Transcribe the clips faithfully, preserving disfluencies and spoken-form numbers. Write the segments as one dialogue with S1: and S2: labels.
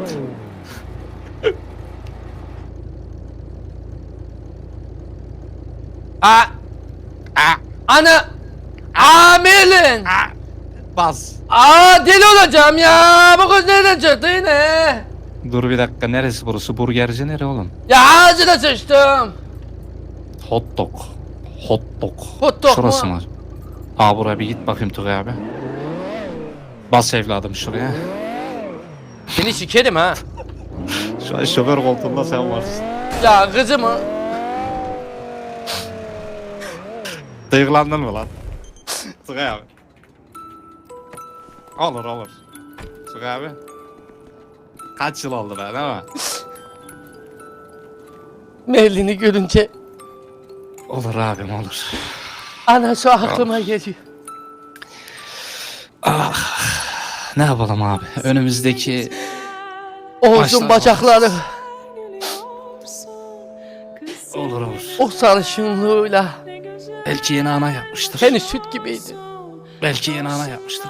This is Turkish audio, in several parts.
S1: A A Ana Amelin.
S2: Bas.
S1: Aa deli olacağım ya. Bu kız nereden çıktı yine?
S2: Dur bir dakika, neresi burası? Burgerci nere oğlum?
S1: Ya ağzına sıçtım.
S2: Hot dog. Hot dog.
S1: Hot dog
S2: Şurası
S1: mu?
S2: mı? Aa, buraya bir git bakayım Tugay abi. Bas evladım şuraya.
S1: Seni sikerim ha.
S2: Şu an şoför koltuğunda sen varsın.
S1: Ya kızımı.
S2: Duygulandın mı lan? Tugay abi. Olur olur. Tugay abi. Kaç yıl oldu be, değil mi?
S1: Merlin'i görünce
S2: Olur abim, olur.
S1: anası aklıma geliyor.
S2: Ah. Ne yapalım abi? Önümüzdeki
S1: Oğuz'un
S2: Başlar
S1: bacakları
S2: olur olur.
S1: o sarışınlığıyla
S2: Belki yeni ana yapmıştır.
S1: seni süt gibiydi.
S2: Belki yeni ana yapmıştır.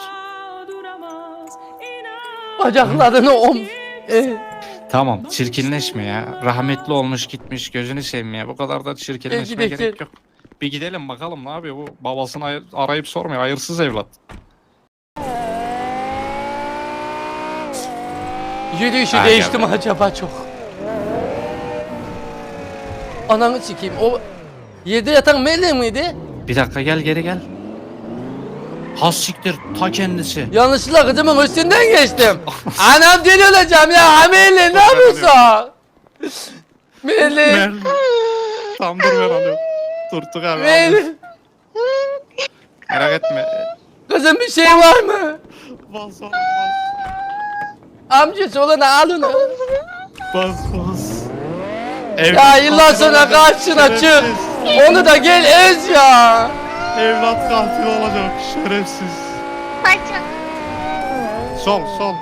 S1: Bacaklarını om... E,
S2: Tamam, çirkinleşme ya. Rahmetli olmuş gitmiş, gözünü sevmeye. Bu kadar da çirkinleşmeye
S1: Belki de-
S2: gerek yok. Bir gidelim bakalım ne yapıyor bu. Babasını ay- arayıp sormuyor. Hayırsız evlat.
S1: yürüyüşü
S2: Ha,
S1: değişti
S2: geldi.
S1: mi acaba çok? Ananı sikeyim. O yerde yatan Merlin miydi?
S2: Bir dakika, gel geri gel. Has siktir, ta kendisi.
S1: Yanlışlıkla kızımın üstünden geçtim. Anam deli olacağım ya. Merlin ne yapıyorsun? Merlin.
S2: Merlin. Tam dur, ben alıyorum. Dur Tugay abi. alıyorum.
S1: Merlin.
S2: Merak etme.
S1: Kızım bir şey var mı?
S2: Bas bas
S1: Amcası olana al onu.
S2: bas. Bas.
S1: Ya yıllar sonra karşına çık.
S2: Şerefsiz.
S1: Onu da gel ez ya.
S2: Evlat katil olacak, şerefsiz.
S3: Bacım.
S2: Sol sol.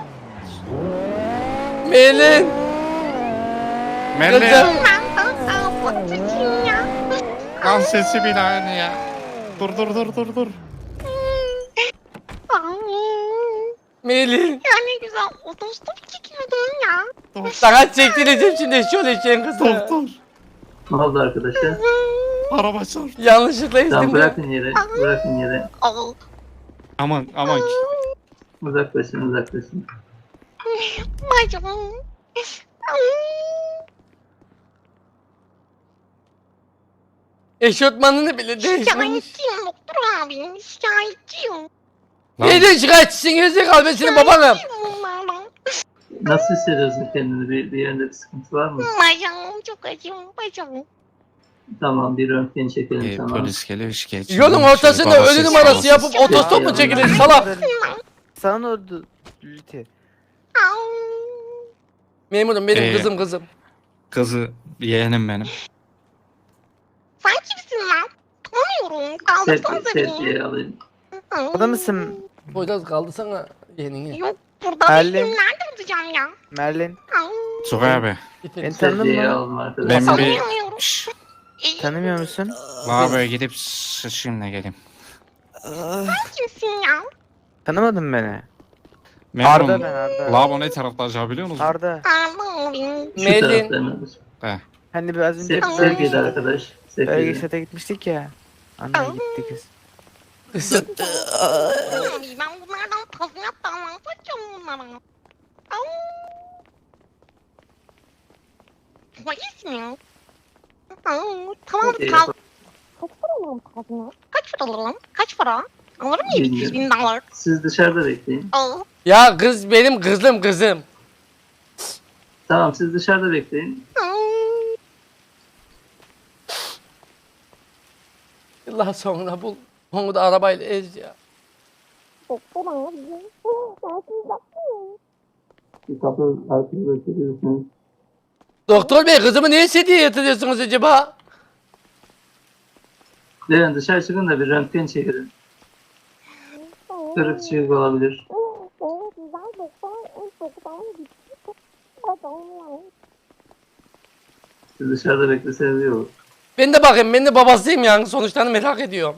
S1: Merlin.
S2: Merlin.
S1: Kızım.
S3: Ben daha bakacağım ya.
S2: Kan sesi bile aynı ya. Dur dur dur dur dur.
S3: Ay,
S1: Merlin.
S3: ya ne güzel otostop çekiyordun ya.
S2: Dur
S1: Sana çektireceğim şimdi şöyle için kızı.
S2: dur dur.
S4: Ne oldu arkadaşlar?
S2: Araba çarp.
S1: Yanlışlıkla
S4: Tamam
S1: ezdim.
S4: bırakın yere, bırakın yere.
S3: Oh.
S2: Aman aman.
S4: Uzaklaşın, uzaklaşın.
S3: Bacım.
S1: Eşofmanını bile değiştirmiş.
S3: Şikayetçiyim doktor abi. Şikayetçiyim.
S1: Neyden şikayetçisin gerizekalı ben senin babanım.
S3: Şikayetçiyim bunlardan.
S4: Nasıl hissediyorsun kendini? Bir, bir yerinde bir sıkıntı var mı?
S3: Bacım çok acıyorum bacım.
S4: Tamam, bir röntgen çekelim
S2: Ee,
S4: sana.
S2: polis geliyor, şikayetçi.
S1: Yolun ortasında ölü numarası yapıp otostop mu çekilir salak?
S5: Sana oldu Lüti.
S1: Memurum benim
S2: Ee,
S1: kızım kızım.
S2: Kızı yeğenim benim.
S3: Sen kimsin lan? Tanımıyorum.
S4: Sep,
S3: Kaldırsanıza beni.
S4: septiye alayım.
S5: Orada mısın
S1: Poyraz kaldı sana yeğenini.
S3: Yok burada
S5: Merlin.
S3: değilim. Nerede olacağım ya?
S5: Merlin?
S2: Tugay abi.
S5: Beni tanıdın
S4: Septiye
S5: mı?
S4: alalım
S2: Ben
S4: arkadaşlar.
S2: bir
S3: Tanımıyorum.
S2: Şşş,
S5: Tanımıyor musun?
S2: lavaboya gidip sıçayım da geleyim.
S3: Kimsin ya?
S5: Tanımadın beni.
S2: Memurum,
S5: Arda ben Arda.
S2: lavabo ne tarafta acaba biliyor musun?
S5: Arda.
S3: Pardon benim.
S4: Şu
S1: Melin.
S4: tarafta hemen.
S2: He.
S5: Hani biraz önce
S4: Sep,
S5: bölge
S4: septiye
S5: şata,
S4: arkadaş.
S5: bölge
S4: Septiye.
S5: şata gitmiştik ya. Anne gitti kız.
S1: Kızım.
S3: Abi ben bunlardan tazminat davası açacağım bunlara. Au. Polis mi? Au, tamam
S4: Okey,
S3: kal. Kaç para alalım tazminat? Kaç para alalım? Kaç para? Alırım yedi yüz bin dolar.
S4: Siz dışarıda bekleyin.
S3: Al.
S1: Ya kız benim kızım kızım.
S4: Tamam, siz dışarıda bekleyin.
S1: Yıllar sonra bul. Onu da arabayla ez ya.
S3: Doktor abi.
S4: Bir kapı arkada çekiyorsunuz.
S1: Doktor bey kızımı niye sediye yatırıyorsunuz acaba?
S4: Derin dışarı çıkın da bir röntgen çekelim. Kırık çıkık olabilir. Siz dışarıda bekleseniz iyi olur.
S1: Ben de bakayım ben de babasıyım yani sonuçlarını merak ediyorum.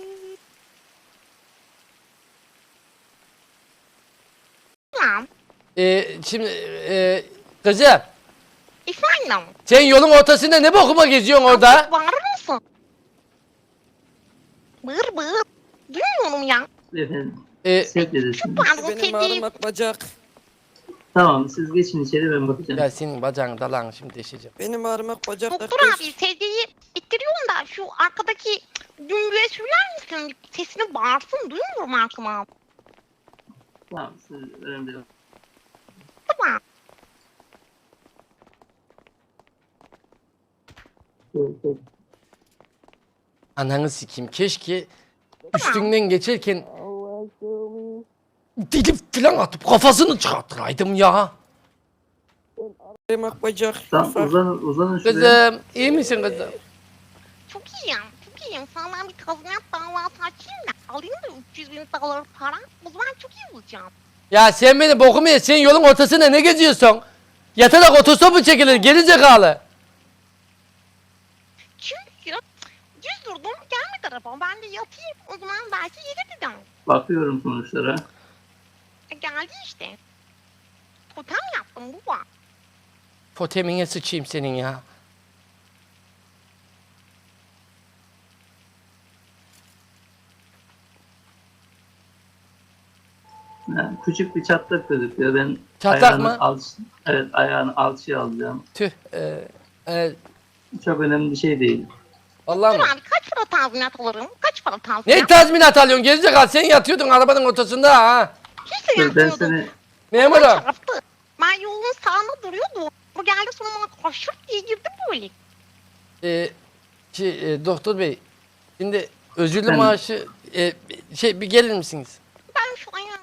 S3: Ya.
S1: Ee, şimdi e, kızım
S3: Efendim.
S1: sen yolun ortasında ne bokuma geziyorsun orada?
S3: Bağırır mısın? Bağır bağır. Duymuyorum ya.
S4: Efendim
S1: Ee,
S4: sevdedesiniz.
S3: Pardon
S6: Benim
S3: sevdiğim.
S6: ağrımak bacak.
S4: Tamam siz geçin içeri ben bakacağım.
S1: ya senin bacağını dalağını şimdi deşeceğim.
S6: Benim ağrımak bacak.
S3: Doktor abi sevdiği ittiriyorum da şu arkadaki dümbüye söyler misin? Sesini bağırsın duymuyorum Hakan abi.
S4: Tamam siz önemli değil.
S3: Tamam.
S4: Evet, evet.
S1: Ananı sikeyim keşke üstünden geçerken dili falan atıp kafasını çıkartıraydım ya.
S6: Ağrımak bacak.
S4: Tamam
S6: Ufak.
S4: uzanın, uzanın şuraya.
S1: Kızım iyi misin kızım?
S3: Çok iyiyim. Çok iyiyim. Sana ben bir tazminat davası açayım da alayım da üç yüz bin dolar para. O zaman çok iyi olacağım.
S1: Ya sen beni bokumu ye, sen yolun ortasında ne geziyorsun? Yatarak otostopu çekilir geri zekalı.
S3: Çünkü düz durdum gelmedi araba. Ben de yatayım. O zaman belki gelir dedim.
S4: Bakıyorum sonuçlara.
S3: E, geldi işte. Totem yaptım baba.
S1: Totemine sıçayım senin ya.
S4: Yani küçük bir çatlak gözüküyor. Ben
S1: Çatlak
S4: ayağını
S1: mı?
S4: Alç, evet ayağını alçıya alacağım.
S1: Tüh. E, e,
S4: Çok önemli bir şey değil.
S1: Vallahi
S3: Dur
S1: mi?
S3: abi kaç para tazminat alırım? Kaç para tazminat?
S1: Ne tazminat alıyorsun gerizekalı? Sen yatıyordun arabanın ortasında ha.
S3: Hiç de
S4: Dur, ben
S3: yapmıyordum.
S4: seni
S1: Memurum.
S3: Çarptı. Ben yolun sağında duruyordum. Bu geldi sonra bana koşup diye girdi böyle.
S1: E, şey, e, doktor bey. Şimdi özürlü
S4: Ben-
S1: maaşı e, şey bir gelir misiniz?
S3: Ben şu ayağımı...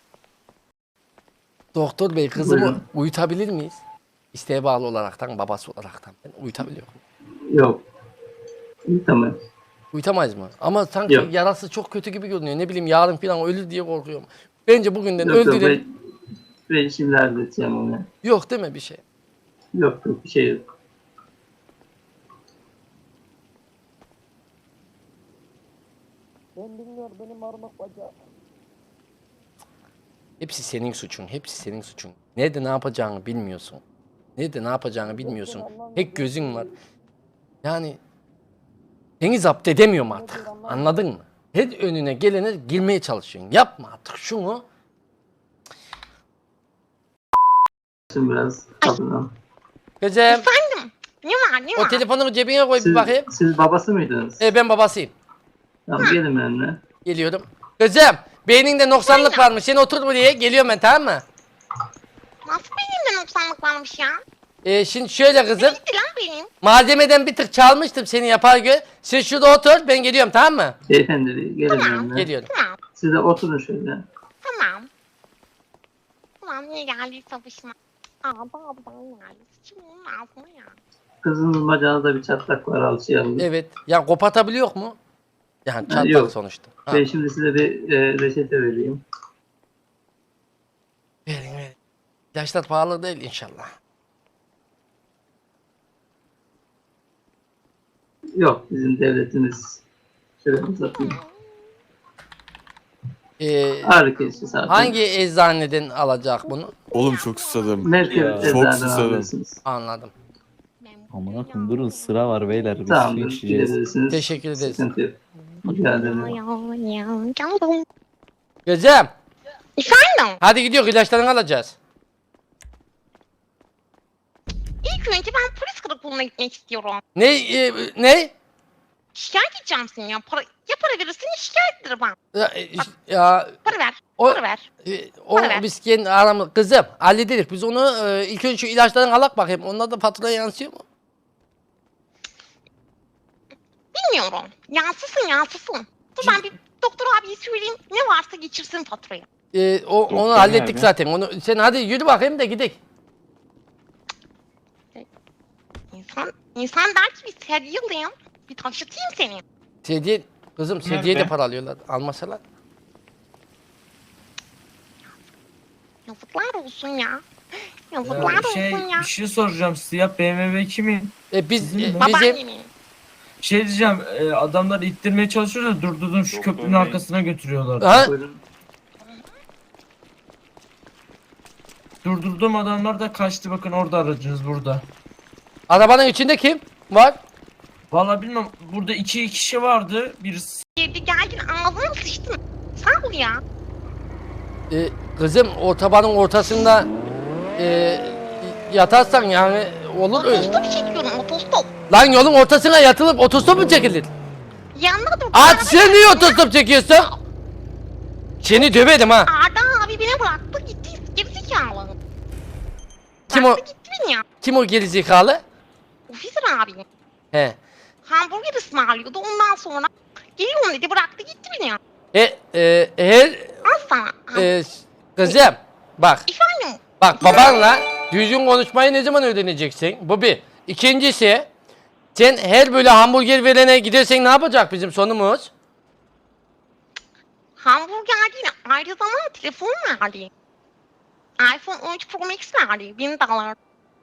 S1: Doktor bey kızımı
S4: Buyurun.
S1: uyutabilir miyiz? İsteğe bağlı olaraktan babası olaraktan ben uyutabiliyorum.
S4: yok. İyi, tamam.
S1: Uyutamayız mı? Ama sanki
S4: Yok.
S1: yarası çok kötü gibi görünüyor. Ne bileyim yarın falan ölür diye korkuyorum. Bence bugünden
S4: Yok yok
S1: öldürelim.
S4: ben, ben şimdi halledeceğim onu.
S1: Yok değil mi bir şey?
S4: Yok yok bir şey yok.
S1: Hepsi senin suçun. Hepsi senin suçun. Nerede ne yapacağını bilmiyorsun. Nerede ne yapacağını bilmiyorsun. Tek gözün var. Yani seni zapt edemiyorum artık. Anladın mı? Her önüne gelene girmeye çalışıyorsun. Yapma artık şunu.
S4: Şimdi biraz kapıdan.
S1: Kızım
S3: Efendim? Ne var ne
S1: o
S3: var?
S1: telefonunu cebine koy bir
S4: Siz,
S1: bakayım.
S4: siz babası mıydınız?
S1: E, ben babasıyım.
S4: Tamam gelin benimle.
S1: Geliyorum. Kızım beyninde noksanlık varmış. Sen otur buraya. Geliyorum ben tamam mı?
S3: Nasıl benimle noksanlık varmış ya?
S1: E, şimdi şöyle kızım.
S3: Gitti lan benim.
S1: Malzemeden bir tık çalmıştım seni yapar gö. Sen şurada otur ben geliyorum tamam mı?
S4: Beyefendi gelin
S3: Tamam.
S4: benimle.
S1: Geliyorum.
S3: Tamam
S4: Siz de oturun şöyle.
S3: tamam. Ulan niye geldiyse başıma. Aa babadan geldi. Şimdi onun ağzına ya.
S4: Kızınızın bacağında bir çatlak var alçıya alın.
S1: Evet. Ya kopatabiliyor mu? Yani çatlak
S4: yok.
S1: sonuçta. Ha.
S4: Ben şimdi size bir e, reçete vereyim.
S1: Verin verin. İlaçlar pahalı değil inşallah.
S4: Yok bizim devletimiz. Şöyle uzatayım.
S1: Ee,
S4: Ağrı kesici zaten.
S1: hangi eczaneden alacak bunu?
S7: Oğlum çok susadım.
S4: Merkez
S7: Ya, çok
S4: eczaneden
S7: susadım.
S4: alıyorsunuz.
S1: Anladım.
S8: Amına koyayım durun sıra var beyler biz su
S4: Tamamdır.
S8: içeceğiz.
S4: Gidebilirsiniz.
S1: Teşekkür ederiz.
S4: Sıkıntı yok. Rica ederim.
S3: Ya ya ya. Geldim.
S1: Gözüm.
S3: Efendim?
S1: Hadi gidiyor ilaçlarını alacağız.
S3: İlk önce ben polis karakoluna gitmek istiyorum.
S1: Ne e, ne?
S3: Şikayet edeceğim seni ya. Para, ya para verirsin ya şikayet ederim ben.
S1: Ya, e, ya
S3: Para ver.
S1: o
S3: Para ver.
S1: e, o
S3: Para ver.
S1: biz kendi aramız kızım hallederiz. Biz onu e, ilk önce şu ilaçlarını alak bakayım. Onlar da faturaya yansıyor mu?
S3: Bilmiyorum. Yansısın yansısın. Dur ben bir doktor abiye söyleyeyim. Ne varsa geçirsin faturayı.
S1: E, o, onu
S2: Doktor
S1: hallettik
S2: abi.
S1: zaten. Onu sen hadi yürü bakayım da gidelim.
S3: İnsan, insan der ki bir sedye alayım. Bir taşıtayım seni.
S1: Sedye kızım sedye de
S2: Nerede?
S1: para alıyorlar. Almasalar.
S3: Yazıklar olsun ya. Yazıklar
S9: Ya şey,
S3: olsun ya.
S9: bir şey soracağım siyah B M W kimin?
S1: E, biz
S9: Bizim
S1: e,
S9: mi?
S1: bizim
S3: Babaannemin.
S9: Şey diyeceğim e, adamlar ittirmeye çalışıyor da durdurdum şu
S7: Doktor
S9: köprünün
S7: bey.
S9: arkasına götürüyorlar.
S1: ha?
S4: Buyurun.
S9: Durdurduğum adamlar da kaçtı, bakın orada aracınız burada.
S1: Arabanın içinde kim var?
S9: Vallahi bilmem, burada iki kişi vardı. Birisi
S3: Girdi geldin ağzına sıçtın. Sağ ol ya.
S1: Ee, kızım otobanın ortasında e, yatarsan yani olur.
S3: Otostop çekiyorum otostop.
S1: Lan yolun ortasına yatılıp otostop mu çekilir?
S3: Yanına dur.
S1: At sen niye otostop çekiyorsun? Seni döverim ha.
S3: Arda abi beni bıraktı gitti. Gerizekalı.
S1: Kim o?
S3: Bıraktı gitti beni ya.
S1: Kim o gerizekalı?
S3: Ofisir abi.
S1: He.
S3: Hamburger ısmarlıyordu ondan sonra. Geliyorum dedi bıraktı gitti beni ya.
S1: E, e, her
S3: Al sana.
S1: e, kızım bak
S3: Efendim.
S1: bak babanla düzgün konuşmayı ne zaman öğreneceksin? Bu bir. İkincisi sen her böyle hamburger verene gidersen ne yapacak bizim sonumuz?
S3: Hamburger değil ayrı zamanda telefon verdi. iPhone on üç Pro Max verdi. Bin dolar.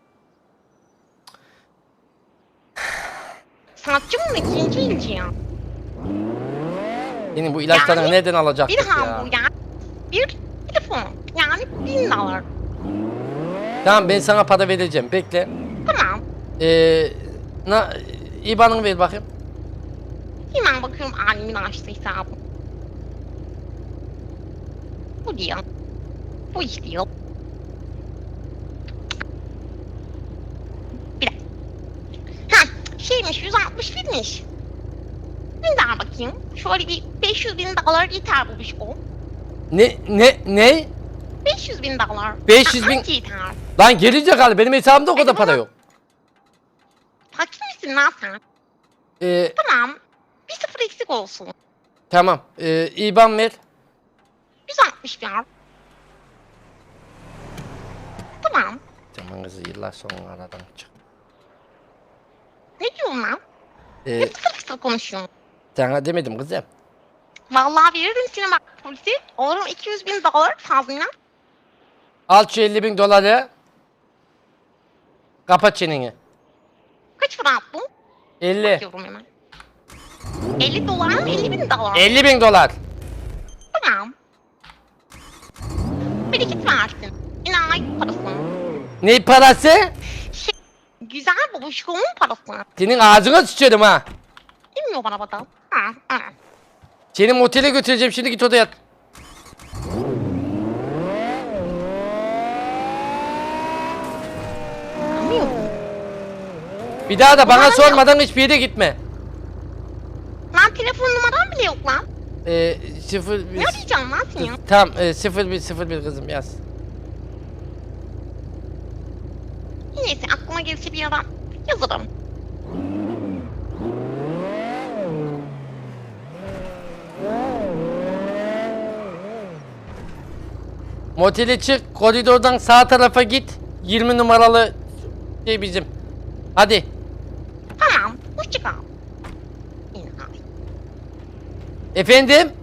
S3: Satçı mı ikinci ilci ya?
S1: Senin bu ilaçlarını
S3: Yani
S1: nereden alacaktık
S3: Bir
S1: ya?
S3: hamburger, bir telefon. Yani bin dolar.
S1: Tamam ben sana para vereceğim bekle.
S3: Tamam.
S1: Ee, na, İban'ını ver bakayım.
S3: Hemen bakıyorum annemin açtığı hesabı. Bu değil. Bu iş değil. Bir dakika. Ha, şeymiş yüz altmış binmiş. Bir daha bakayım. Şöyle bir beş yüz bin dolar yeter bu iş o.
S1: Ne ne ne?
S3: beş yüz bin dolar.
S1: beş yüz bin-
S3: Anca yeter.
S1: Lan gerizekalı benim hesabımda o kadar para yok.
S3: Fakir misin lan sen?
S1: Ee,
S3: Tamam. Bir sıfır eksik olsun.
S1: tamam. Ee, İban ver.
S3: yüz altmış ver. Tamam.
S1: Tamam kızı yıllar sonra aradan çık.
S3: Ne diyorsun lan?
S1: Ee,
S3: Ne fısır fısır konuşuyorsun?
S1: sana demedim kızım.
S3: Vallahi veririm sinema polisi. Olurum iki yüz bin dolar fazla.
S1: Al şu elli bin doları. Kapat çeneni.
S3: Kaç para attın?
S1: elli.
S3: Bakıyorum hemen. elli dolar mı? elli bin dolar.
S1: elli bin dolar.
S3: Tamam. Bereket versin. Yine ait parasını.
S1: Ne parası?
S3: Şey, güzel babuşkomun parasını.
S1: Senin ağzına sıçarım ha.
S3: Bilmiyor bana bakalım. Ha, ha.
S1: Seni motele götüreceğim şimdi git odaya yat.
S3: Anlıyor musun?
S1: Bir daha da bana
S3: Ulan ya.
S1: sormadan hiçbir yere gitme.
S3: Lan telefon numaram bile yok lan.
S1: Ee, sıfır bir...
S3: Ne arayacağım lan seni?
S1: Tamam e, sıfır bir sıfır bir kızım yaz.
S3: Neyse aklıma gelirse bir adam yazarım.
S1: Motele çık koridordan sağ tarafa git. yirmi numaralı şey bizim. Hadi.
S3: Tamam. Hoşça kal. Yine abi.
S1: Efendim?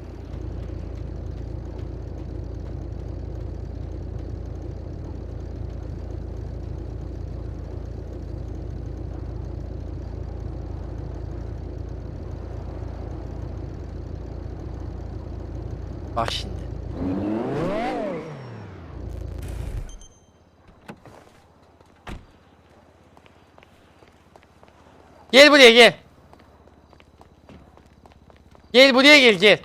S1: Bak şimdi. Gel buraya gel. Gel buraya gel gel.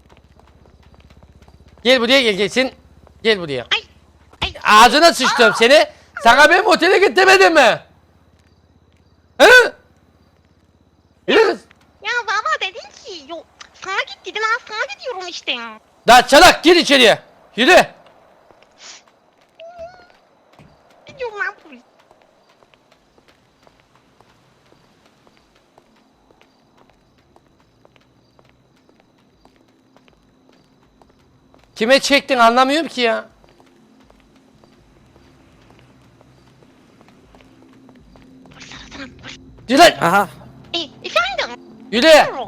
S1: Gel buraya gel gelsin. Gel buraya.
S3: Ay. Ay.
S1: Ağzına sıçtım seni. Sana ben otele git demedim mi? He? Yürü kız.
S3: Ya baba dedin ki yok. Sana git dedim ben sana gidiyorum işte.
S1: Daha çalak gir içeriye. Yürü.
S3: Gidiyorum lan polis.
S1: Kime çektin anlamıyorum ki ya.
S3: Polis arasana polis.
S1: Yürü lan.
S5: Aha.
S3: E, efendim.
S1: Yürü.
S3: Buyurun.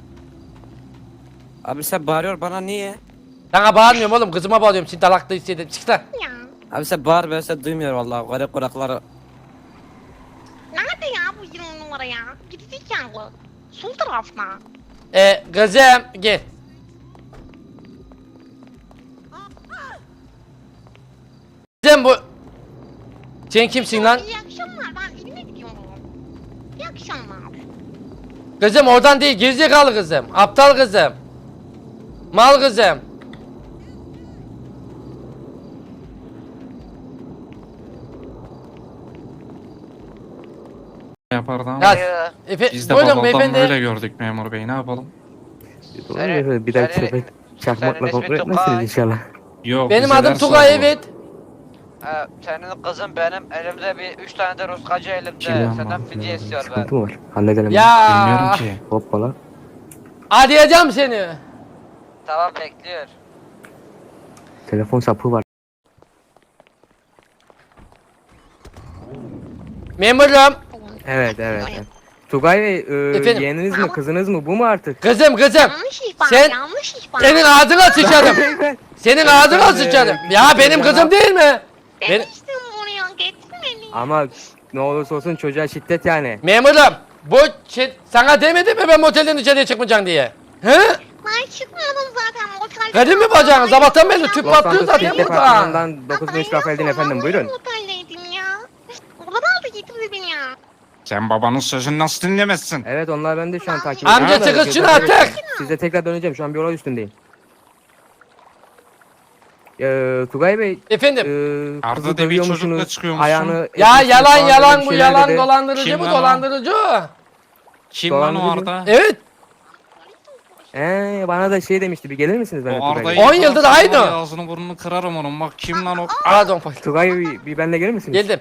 S6: Abi sen bağırıyor bana niye?
S1: Sana bağırmıyorum oğlum kızıma bağırıyorum. Seni dalakta istedim. Çık lan.
S3: Ya.
S6: Abi sen bağır ben sen duymuyorum vallahi garip kulakları.
S3: Nerede ya bu yirmi numara ya? Gerizekalı. Sol tarafta.
S1: Ee, kızım gel. Kızım Kızım bu... Sen kimsin lan?
S3: İyi akşamlar, ben evime gidiyorum. İyi akşamlar.
S1: Kızım oradan değil, gerizekalı kızım. Aptal kızım. Mal kızım.
S2: Yapardı ama.
S1: Ya, efe,
S2: Biz de
S1: buyurun
S2: babadan
S1: beyefendi.
S2: öyle gördük memur bey, ne yapalım?
S5: Doğru, bir dahaki
S6: senin-
S5: sefer çakmakla
S6: senin
S5: kontrol
S6: ismin
S5: etmezsiniz
S6: Tugay.
S5: inşallah.
S2: Yok,
S1: Benim
S2: bize
S1: adım
S2: ders
S1: Tugay,
S2: oldu.
S1: evet.
S6: Ee, senin kızın benim elimde bir üç tane de Ruskacı elimde.
S2: Kim lan
S6: Senden
S2: bu?
S6: fidye istiyor ben.
S5: Sıkıntı mı var? Halledelim.
S2: Bilmiyorum
S1: Ya.
S2: ki.
S5: Hoppala.
S1: Arayacağım seni.
S6: Tamam bekliyor.
S5: Telefon sapı var.
S1: Memurum.
S5: Evet evet. evet. Tugay Bey, e,
S1: Efendim?
S5: yeğeniniz mi kızınız mı bu mu artık?
S1: Kızım kızım.
S3: Yanlış ihbar,
S1: Sen-
S3: yanlış ihbar.
S1: Senin ağzına sıçarım. Senin ağzına sıçarım. Ya benim kızım değil mi? Ben...
S3: Demiştim buraya, getirmedin.
S5: Ama ne olursa olsun çocuğa şiddet yani.
S1: Memurum. Bu şey, sana demedim mi ben motelden dışarıya çıkmayacaksın diye? He?
S3: Ben çıkmadım zaten. Otel
S1: Kadın mı bacağın? Sabahtan beri tüp
S5: Los
S1: patlıyor
S5: Santos
S1: zaten
S5: State
S1: burada.
S5: Departmanı'ndan dokuz beş Rafael'din efendim buyurun.
S3: Oteldeydim ya. Oradan da getirdi beni ya.
S2: Sen babanın sözünü nasıl dinlemezsin?
S5: Evet onlar ben de şu an takip
S1: Amca
S5: ediyorum. da
S1: çıkın şunu
S5: gözler-
S1: artık.
S5: Size tekrar döneceğim şu an bir olay üstündeyim. Ee, Tugay Bey,
S1: Efendim.
S5: ee,
S2: Arda
S5: kızı
S2: diye bir
S5: dövüyor
S2: çocukla
S5: musunuz?
S2: çıkıyormuşsun.
S5: Ayağını
S1: Ya
S5: etmişsiniz
S1: yalan
S5: falan,
S1: yalan
S5: öyle
S1: bu
S5: bir şeyler
S1: yalan
S5: dedi.
S1: dolandırıcı
S2: Kim
S1: bu
S2: lan o?
S1: dolandırıcı.
S2: Kim lan o
S5: Dolandırıcı.
S2: Arda?
S1: Evet.
S5: Ee, bana da şey demişti bir gelir misiniz benimle
S2: O
S5: Tugay
S2: Arda'yı
S5: Bey?
S1: On yıldır
S2: yakalasam
S1: aynı.
S2: var ya, ağzını burnunu kırarım onun. Bak kim lan o?
S1: Pardon pardon.
S5: Tugay Bey bir benimle gelir misiniz?
S1: Geldim.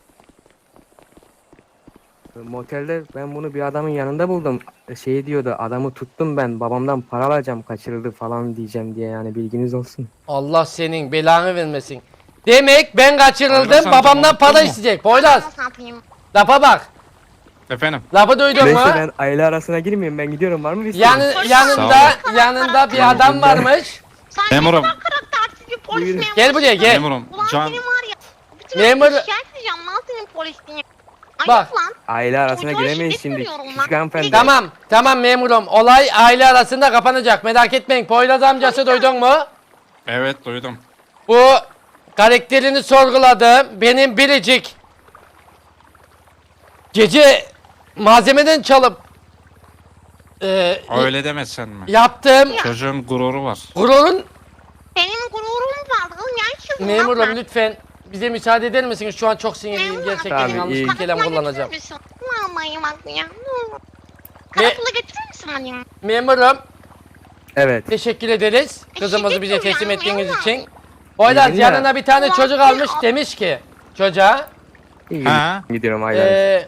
S5: Motelde ben bunu bir adamın yanında buldum. Şey diyordu adamı tuttum ben babamdan para alacağım kaçırıldı falan diyeceğim diye yani bilginiz olsun.
S1: Allah senin belanı vermesin. Demek ben kaçırıldım
S2: Poyraz amca,
S1: babamdan
S2: unuttun
S1: para
S2: mu?
S1: isteyecek. Poyraz
S3: Ne yapayım?
S1: lafa bak.
S2: Efendim?
S1: Lafı duydun mu?
S5: Neyse ben aile arasına girmeyeyim ben gidiyorum var mı bir
S1: Yani,
S5: isteğiniz?
S1: yanında
S2: Sağ
S1: yanında bir adam varmış.
S3: Sen
S2: Memurum.
S3: ne kadar karaktersiz bir polis
S5: Buyurun.
S3: memurusun.
S1: Gel buraya gel.
S2: Memurum.
S3: Ulan
S2: Can...
S3: senin var ya. Bütün
S1: Memur-
S3: herkesi şikayet edeceğim lan senin polisliğini. Ayıp
S1: Bak.
S3: lan.
S5: Aile arasına
S3: Çocuğa
S5: giremeyiz
S3: şiddet
S5: şimdi.
S3: görüyorum lan.
S5: Küçük hanımefendi.
S1: Tamam tamam memurum. Olay aile arasında kapanacak. Merak etmeyin. Poyraz amcası duydun mu?
S2: Evet duydum.
S1: Bu karakterini sorguladım. Benim biricik gece malzemeden çalıp e,
S2: Öyle demesen mi?
S1: yaptığım
S2: Çocuğun gururu var.
S1: gururun
S3: Benim gururum var. Oğlum gerçekten.
S1: memurum lütfen bize müsaade eder misiniz? Şu an çok sinirliyim.
S3: Memurum.
S1: Gerçekten
S5: Tamam,
S1: yanlış
S5: iyi.
S1: bir kelime kullanacağım.
S3: Vallahi bak ya.
S1: Ne?
S3: Karakola getirir misin beni?
S1: Memurum
S5: Evet.
S1: teşekkür ederiz. Kızımızı
S3: Teşekkür
S1: bize teslim
S3: ederim,
S1: ettiğiniz
S3: memurum.
S1: için. Poyraz
S5: İyi ya.
S1: yanına bir tane
S3: Allah
S1: çocuk
S3: ya.
S1: almış demiş ki çocuğa
S5: İyi
S2: Ha?
S5: gidiyorum aile arasına.
S1: Ee,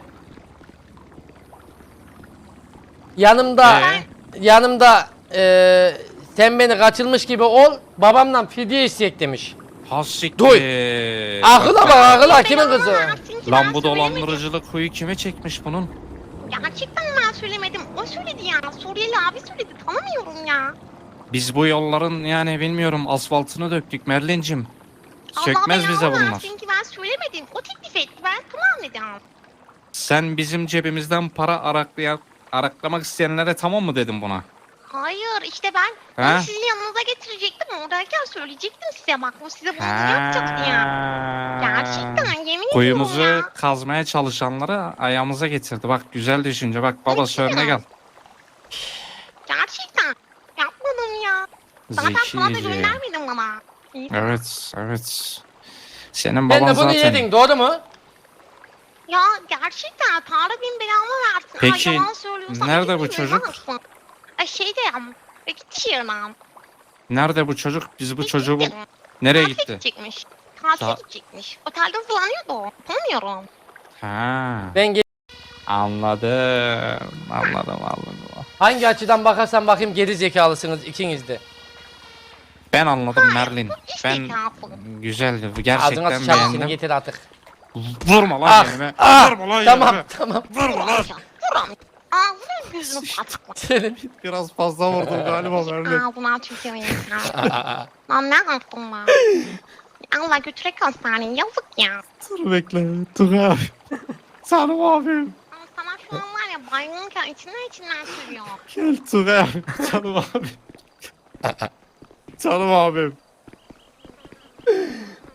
S1: yanımda
S2: Ee?
S1: yanımda ee, sen beni kaçırmış gibi ol babamdan fidye isteyecek demiş.
S2: Hassiktir.
S1: Duy. Akıla bak akıla kimin
S3: Ben
S1: kızı?
S3: ona versin ki
S2: Lan
S3: ben
S2: bu
S3: söylemedim.
S2: dolandırıcılık huyu kime çekmiş bunun?
S3: Gerçekten ben söylemedim. O söyledi ya. Suriyeli abi söyledi. Tanımıyorum ya.
S2: Biz bu yolların yani bilmiyorum asfaltını döktük Merlin'cim. Sökmez
S3: Allah
S2: bize
S3: belanı
S2: bunlar.
S3: versin ki ben söylemedim. O teklif etti. Ben tamam dedim.
S2: Sen bizim cebimizden para araklayan, araklamak isteyenlere tamam mı dedim buna?
S3: Hayır işte ben
S2: Ha?
S3: onu sizin yanınıza getirecektim. Oradayken söyleyecektim size. Bak bu size bunu yapacaktı ya. Gerçekten yemin
S2: Kuyumuzu
S3: ediyorum ya.
S2: kazmaya çalışanları ayağımıza getirdi. Bak güzel düşünce. Bak baba
S3: Peki
S2: söyle
S3: ya.
S2: gel.
S3: Gerçekten. Yapmadım ya. Zaten sana da
S2: Zekice.
S3: göndermedin bana. İyi.
S2: Evet, evet. Senin
S1: Sen
S2: baban
S1: de bunu
S2: zaten...
S1: yedin doğru mu?
S3: Ya gerçekten Tanrı bin belamı versin.
S2: Peki,
S3: Ay, yalan söylüyorsam
S2: nerede
S3: iki
S2: bu
S3: bin
S2: çocuk?
S3: varsın. Ay şeyde ya. Peki dışarıdan.
S2: Nerede bu çocuk? Biz bu çocuğu bul... Nereye
S3: Tatile
S2: gitti?
S3: gidecekmiş. Tatile
S2: Ta-
S3: gidecekmiş. Otelde hızlanıyordu o. Tanımıyorum.
S2: Ha,
S1: Ben ge-
S2: anladım. Anladım, anladım.
S1: hangi açıdan bakarsan bakayım geri zekalısınız ikiniz de.
S2: Ben anladım Merlin.
S3: İş
S2: Ben
S3: zekası.
S2: güzeldi.
S1: Ağzına
S2: Gerçekten
S1: sıçarım seni
S2: beğendim.
S1: getir artık.
S2: Vurma lan
S1: Ah,
S2: yerime.
S1: ah,
S2: Vurma lan
S1: tamam
S2: yerime.
S1: tamam.
S2: Vurma lan.
S3: Vuram. Ağzına gözünü patlatma.
S1: Senin
S2: Biraz fazla vurdum galiba Merlin.
S3: Ağzına tüküreyim sana. Lan ne yaptın lan? Allah götürek hastaneye yazık ya.
S2: Dur bekle. Dur abi. Canım abim.
S3: Ama sana şu an var ya baygınken içinden içinden sürüyor.
S2: Gel Tugay abi. Canım abim. Canım abim.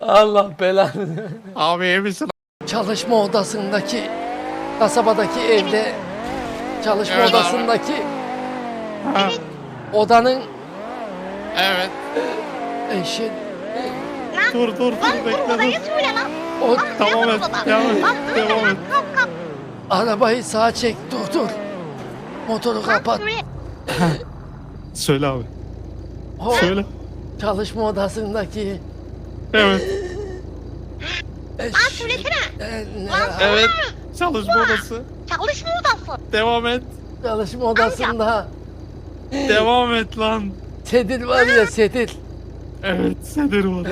S1: Allah belanı.
S2: Abi iyi misin?
S1: Çalışma odasındaki kasabadaki evde çalışma
S2: Evet abi.
S1: odasındaki
S2: Ha,
S1: odanın
S2: evet.
S1: eşi
S3: Lan
S2: Dur dur
S3: lan
S2: dur
S3: dur
S2: bekle
S3: odayı
S2: dur.
S3: söyle lan.
S1: o
S3: Lan
S2: Tamam
S3: ne
S2: et.
S3: odada?
S2: Devam et.
S3: Lan öyle
S2: Devam
S3: lan
S2: et.
S3: kalk kalk.
S1: arabayı sağa çek dur dur. Motoru
S3: Lan
S1: kapat.
S3: söyle.
S2: Söyle abi.
S1: O
S2: Söyle.
S1: çalışma odasındaki
S2: Evet.
S3: Lan
S1: eş,
S3: söylesene.
S1: e, ne-
S3: Lan
S2: Evet. Çalışma odası.
S3: çalışma odası.
S2: Devam et.
S1: çalışma odasında
S2: Devam et lan.
S1: sedil var ya sedil.
S2: Evet Sedir var.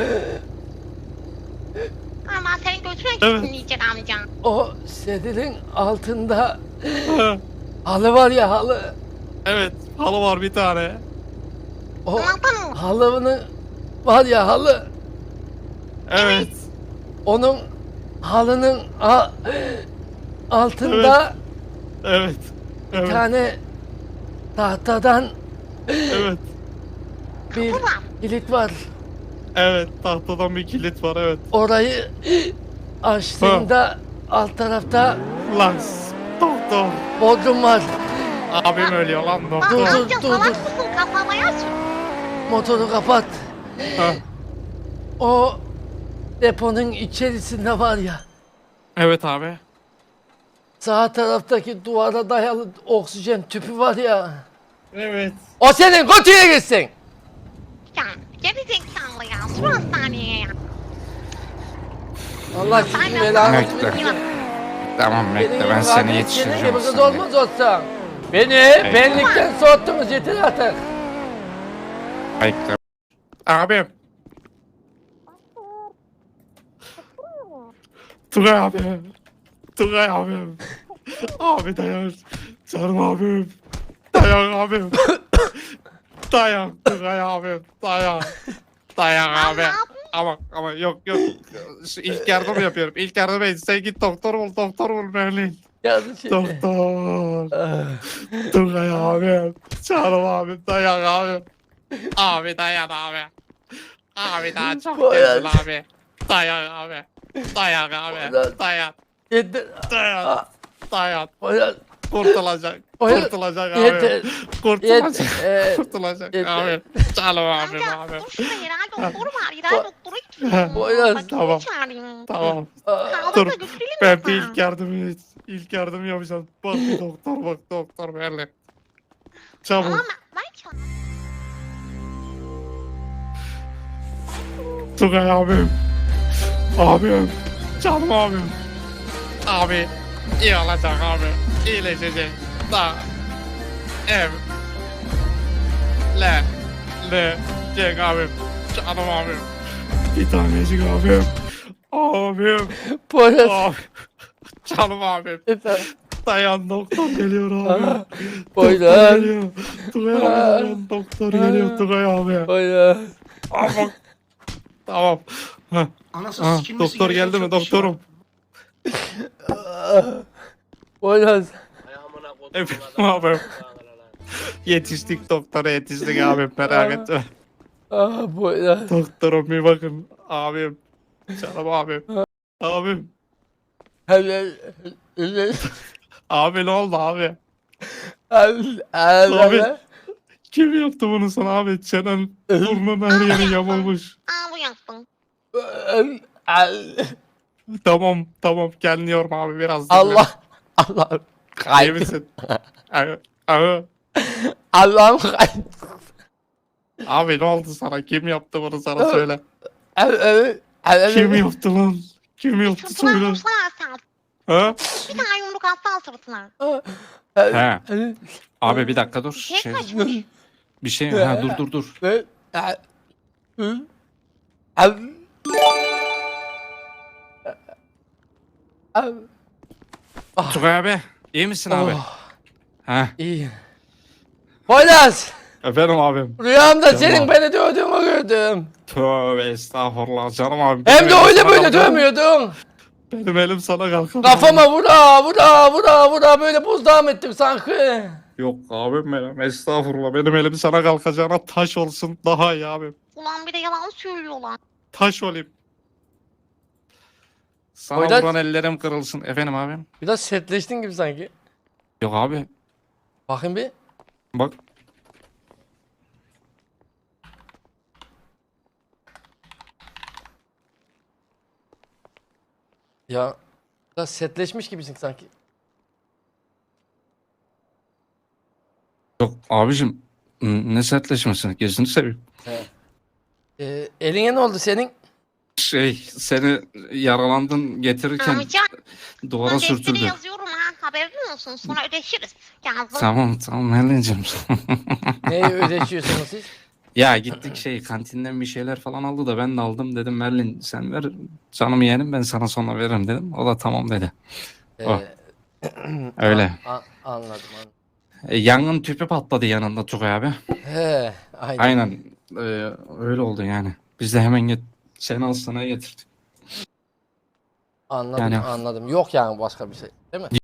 S3: Lan ben senin götüne
S2: Evet.
S3: gitsin diyecek amca.
S1: O sedilin altında
S2: Ha,
S1: halı var ya halı.
S2: evet. Halı var bir tane.
S1: O
S3: Tamam tamam.
S1: halının var ya halı.
S2: Evet.
S1: Onun halının a- altında
S2: Evet.
S1: bir
S2: Evet.
S1: tane tahtadan
S2: Evet.
S1: bir
S3: Kapı var.
S1: kilit var.
S2: Evet. Tahtadan bir kilit var evet.
S1: Orayı açtığında alt tarafta
S2: Lan s- doktor.
S1: bodrum var.
S2: Abim ölüyor lan
S3: Lan
S2: doktor.
S1: dur,
S3: amca
S1: dur,
S3: salak
S1: dur.
S3: mısın kafamaya sür.
S1: Motoru kapat.
S2: Ha,
S1: O deponun içerisinde var ya.
S2: evet abi.
S1: Sağ taraftaki duvara dayalı oksijen tüpü var ya.
S2: Evet.
S1: O senin kutuya gitsin.
S3: Ya geri zekalı ya. Sür hastaneye ya.
S1: Allah
S3: Ben
S1: sizin
S3: de
S1: belanı
S2: Bekle.
S1: versin.
S2: Tamam bekle ben seni
S1: Senin
S2: yetiştireceğim.
S1: gibi kız
S2: hastaneye.
S1: olmaz olsan. Beni benlikten soğuttunuz yeter artık.
S2: Bekle. Abim. Tugay abim. Tugay abim. Abi dayan. Canım abim. Dayan abim. Dayan Tugay abim. Dayan. Dayan
S3: Lan
S2: abi.
S3: ne yapayım?
S2: Ama ama yok yok. Şu İlk yardım yapıyorum. İlk yardım et. Sen git doktor bul. Doktor bul Berlin.
S1: Yazı şey.
S2: Doktor.
S1: Ah,
S2: Tugay abim. Canım abim. Dayan abim. Abi dayan abi. Abi daha çok
S1: Poyraz.
S2: geldin abi. Dayan abi. Dayan abi.
S1: Poyraz.
S2: Dayan.
S1: Yeter.
S2: Dayan.
S1: Ah,
S2: Dayan.
S1: Poyraz,
S2: Kurtulacak.
S1: Poyraz.
S2: Kurtulacak abi.
S1: Yeter.
S2: Kurtulacak.
S1: Yeter.
S2: Kurtulacak
S1: Yeter.
S2: abi. Canım abim
S3: Amca
S2: abi.
S3: dur şurada yerel doktoru var.
S1: Ba-
S3: Yerel doktoru gitsin.
S1: Poyraz.
S3: Bakayım
S2: Tamam.
S3: çağırayım.
S2: Tamam.
S1: Ah,
S3: Sağlıkla
S2: Dur.
S3: götürelim
S2: Ben
S3: mi
S2: bir
S3: sana?
S2: ilk yardım ilk yardım yapacağım. Bak bir doktor bak doktor Berlin.
S3: Tamam
S2: Çabuk.
S3: ben, ben çağırayım.
S2: Tugay abim. Abim. Canım abim. Abi. iyi olacak abi. İyileşecek. Da. Ev. Le. Le. Cek abim. Canım abim. Bir tanecik abim. Abim.
S1: Poyraz.
S2: Abim. Canım abim.
S1: Efendim.
S2: Dayan doktor geliyor abi.
S1: Ah,
S2: Doktor
S1: Poyraz.
S2: geliyor. Tugay abi dayan doktor geliyor Tugay abi.
S1: Poyraz.
S2: Ama. Tamam. Heh.
S7: Anasını
S2: Ah,
S7: sikilmesi
S2: doktor
S7: gereken
S2: geldi mi
S7: çok bir şey var.
S2: doktorum?
S1: Ah, Poyraz.
S2: Efendim abim. Yetiştik doktora yetiştik abim merak etme.
S1: Ah Poyraz.
S2: Doktorum bir bakın abim. Canım abim. Abim.
S1: Abi. Abi.
S2: Abi ne oldu abi?
S1: Abi.
S2: Abi. Kim yaptı bunu sana abi? Çenen burnun her yeri yamulmuş.
S3: Aa bu yaptın.
S2: Tamam tamam gelmiyorum abi biraz dinle.
S1: Allah. Allah.
S2: İyi
S1: Kaydı.
S2: misin? Abi, abi.
S1: Allah'ım kaydı.
S2: Abi ne oldu sana? Kim yaptı bunu sana söyle.
S1: Abi. Abi. Abi.
S2: Kim yaptı lan? Kim yaptı
S3: Sırtına
S2: söyle.
S3: vursana sen.
S2: Ha?
S3: Bir tane yumruk atsana sırtına.
S2: He. Abi bir dakika dur.
S3: Şey
S2: Şey,
S3: kaçmış.
S2: bir şey ha dur dur dur.
S1: Ve Hı? Abi. Abi.
S2: Tugay abi iyi misin abi?
S1: Oh,
S2: Ha.
S1: iyi. Poyraz.
S2: Efendim abim.
S1: Rüyamda
S2: Tamam.
S1: senin beni dövdüğünü gördüm.
S2: Tövbe estağfurullah canım abim.
S1: Hem
S2: Benim
S1: de
S2: elim
S1: öyle
S2: sana
S1: böyle
S2: kalkar.
S1: dövmüyordun.
S2: Benim elim sana kalkar.
S1: Kafama vura vura vura vura böyle buzdağım ettim sanki.
S2: Yok abim benim estağfurullah. Benim elim sana kalkacağına taş olsun daha iyi abim.
S3: Ulan bir de yalan söylüyorlar.
S2: Taş olayım. Sana
S1: Poyraz-
S2: vuran ellerim kırılsın. Efendim abim?
S1: Biraz sertleştin gibi sanki.
S2: Yok abi.
S1: Bakın bir.
S2: Bak.
S1: Ya biraz sertleşmiş gibisin sanki.
S2: Yok abicim. n- Ne sertleşmesin. Gözünü seveyim.
S1: He. Ee, eline ne oldu senin?
S2: Şey seni yaralandın getirirken
S3: Amcan,
S2: duvara
S3: ben defteri
S2: sürtüldü.
S3: yazıyorum ha. Haberin olsun. Sonra ödeşiriz. Yazdım.
S2: Tamam tamam Helen'cim.
S1: Neyi ödeşiyorsunuz siz?
S2: Ya gittik şey kantinden bir şeyler falan aldı da ben de aldım dedim Merlin sen ver canım yeğenim ben sana sonra veririm dedim. O da tamam dedi. O.
S1: Ee,
S2: Öyle.
S1: a- a- anladım anladım.
S2: E, yangın tüpü patladı yanında Tugay abi.
S1: He, aynen.
S2: Aynen. e, öyle oldu yani. Biz de hemen get seni hastaneye getirdik.
S1: Anladım
S2: Yani-
S1: anladım. Yok yani başka bir şey. Değil mi?